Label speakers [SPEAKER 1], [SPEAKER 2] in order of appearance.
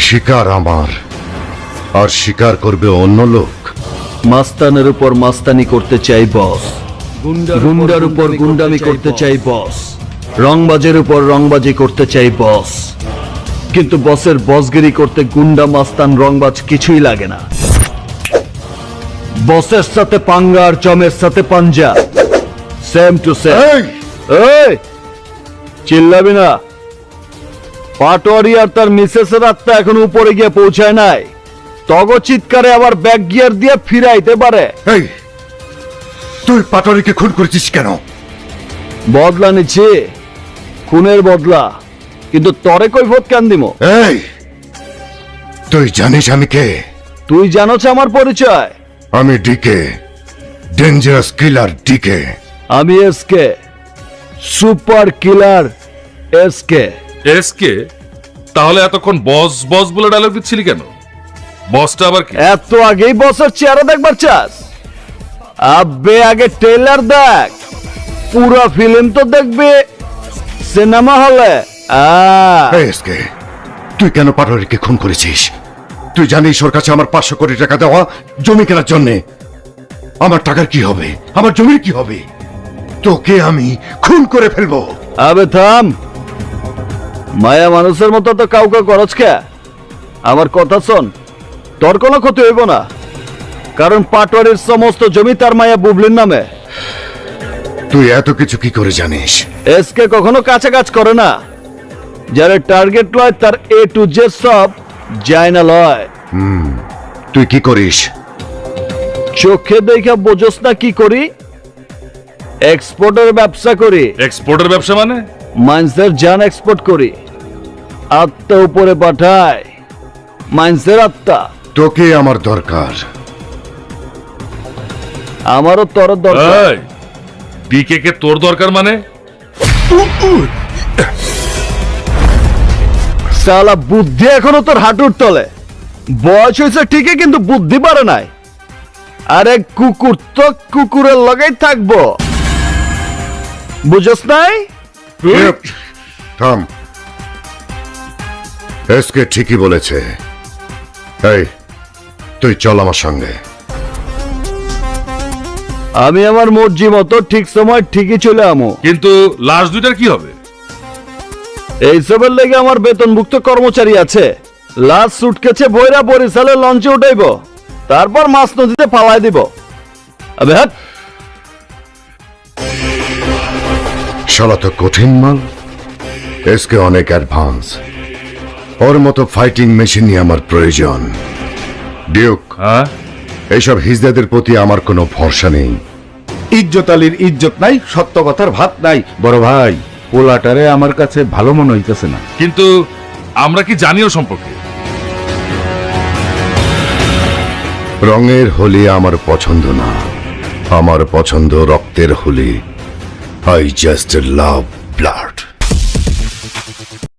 [SPEAKER 1] শিকার আমার, আর শিকার করবে অন্য লোক।
[SPEAKER 2] মাস্তানের উপর মাস্তানি করতে চাই বস, গুন্ডার উপর গুন্ডামি করতে চাই বস, রংবাজের উপর রংবাজি করতে চাই বস। কিন্তু বসের বসগিরি করতে গুন্ডা মাস্তান রংবাজ কিছুই লাগে না। বসের সাথে পাঙ্গা আর জমের সাথে পাঞ্জা, সেম টু সেম। এই চিল্লাবি না। পাটোয়ারি আর তার মিসেসের আত্মা এখন উপরে গিয়ে পৌঁছায় নাই। তগ চিৎকারে আবার ব্যাক গিয়ার দিয়ে ফিরাইতে পারে।
[SPEAKER 1] এই তুই পাটোয়ারিকে খুন করেছিস কেন?
[SPEAKER 2] বদলা নিচ্ছি, খুনের বদলা। কিন্তু তরে কৈফত কেন দিমো?
[SPEAKER 1] এই তুই জানিস আমি কে?
[SPEAKER 2] তুই জানোছ আমার পরিচয়?
[SPEAKER 1] আমি ডিকে, ডেঞ্জারাস কিলার ডিকে।
[SPEAKER 2] আমি SK, super killer SK.
[SPEAKER 3] SK? তাহলে এতক্ষণ বস বস বলে ডায়লগ দিচ্ছিলি কেন? বসটা আবার কি?
[SPEAKER 2] এত আগেই বসের চেহারা দেখবার চাস? আব্বে আগে ট্রেলার দেখ, পুরো ফিল্ম তো দেখবে সিনেমা হলে।
[SPEAKER 1] এসকে, তুই কেন পাটোয়ারিকে খুন করেছিস? তুই জানিস ওর কাছে আমার 500 কোটি টাকা দেওয়া জমি কেনার জন্যে। আমার টাকার কি হবে? আমার জমির কি হবে? তোকে আমি খুন করে ফেলবো।
[SPEAKER 2] আবে থাম, মায়া মানুষের মতো তো কাউকে করছ কে? আমার কথা শোন, তোর কোনো ক্ষতি হইব না, কারণ পাটোয়ারির সমস্ত জমি তার মায়া বুবলির নামে।
[SPEAKER 1] তুই এত কিছু কি করে জানিস?
[SPEAKER 2] এসকে কখনো কাছে কাজ করে না। যারা টার্গেট লয় তার এ টু জেড সব যায় না লয়।
[SPEAKER 1] তুই কি করিস?
[SPEAKER 2] চোখে দেখা বোঝস না কি করি? এক্সপোর্টের ব্যবসা করি।
[SPEAKER 3] এক্সপোর্টের ব্যবসা মানে?
[SPEAKER 2] মাইন্সের জান এক্সপোর্ট করি, আত্মা উপরে পাঠায়। মাইন্সের আত্মা।
[SPEAKER 1] তোকে আমার দরকার।
[SPEAKER 2] আমারও তোর দরকার।
[SPEAKER 3] ডিকে কে তোর দরকার মানে?
[SPEAKER 2] সালা বুদ্ধি এখনো তোর হাঁটুর তলে। বয়স হয়েছে ঠিকই, কিন্তু বুদ্ধি পারে নাই। আরে কুকুর তো কুকুরের লগেই থাকবো, বুঝস নাই?
[SPEAKER 1] থাম, এসকে ঠিকই বলেছে। এই তুই চল আমার সঙ্গে।
[SPEAKER 2] আমি আমার মর্জি মতো ঠিক সময় ঠিকই চলে আমো।
[SPEAKER 3] কিন্তু লাশ দুইটার কি হবে?
[SPEAKER 2] এইসবের লেগে আমার বেতনভুক্ত কর্মচারী আছে। লাশ সুটকেছে বইরা বরিশালে লঞ্চে উঠাইব, তারপর মাছ নদীতে ফালাই দিব। আবে হাট।
[SPEAKER 1] শালা তো কঠিন মাল। এসকে অনেক অ্যাডভান্স। ওর মতো ফাইটিং মেশিনই আমার প্রয়োজন। ডিউক,
[SPEAKER 3] হ্যাঁ,
[SPEAKER 1] এইসব হিজদাদের প্রতি আমার কোনো ভরসা নেই।
[SPEAKER 4] ইজ্জত আলীর ইজ্জত নাই, সত্য কথার ভাত নাই। বড় ভাই, পোলাটারে আমার কাছে ভালো মনে হইতেছে না।
[SPEAKER 3] কিন্তু আমরা কি জানিও সম্পর্কে?
[SPEAKER 1] রঙের হোলি আমার পছন্দ না, আমার পছন্দ রক্তের Holi. I just love blood.